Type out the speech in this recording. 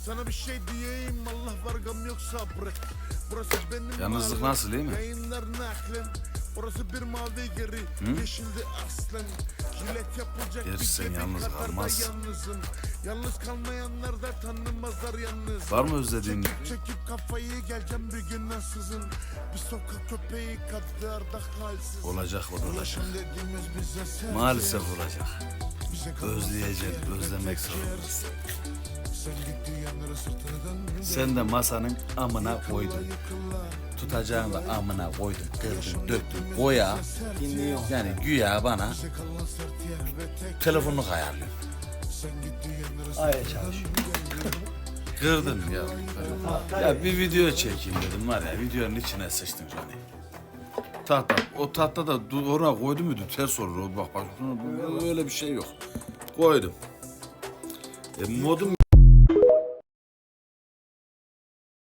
Sana bir şey diyeyim, Allah var gam yoksa bırak. Burası benim Yalnızlık nasıl, iyi mi? Yayınlar naklen. Orası bir mavi geri, yeşildi aslen. Jilet yapılacak Gerçi bir sen gibi yalnız kadar da kalmazsın. yalnızım. Yalnız kalmayanlar da tanımazlar yalnız. Var mı özlediğin? Çekip kafayı geleceğim bir gün ansızın. Bir sokak köpeği kadar da halsiz. Olacak, o da olacak. Ulaşım dediğimiz bize servis. Maalesef olacak. Bize kalmaz Özleyeceksin, yer, özlemek yer. zorundasın. Sen gittiğin yanlara sırtını dön. Sen de masanın amına koydun. Yıkıla. Tutacağını da amına koydun, kırdın, döktün, boya. Yani güya bana Bize kalan sert yer ve tek. telefonunu ayarlıyor. Sen gittiğin yanlara Aya çalışıyor. Kırdın ya. Ya bir video çekeyim dedim var ya, videonun içine sıçtın Johnny. Tahta, o tahta da oraya koydum muydu ters olur, o bak öyle bir şey yok. Koydum. Modum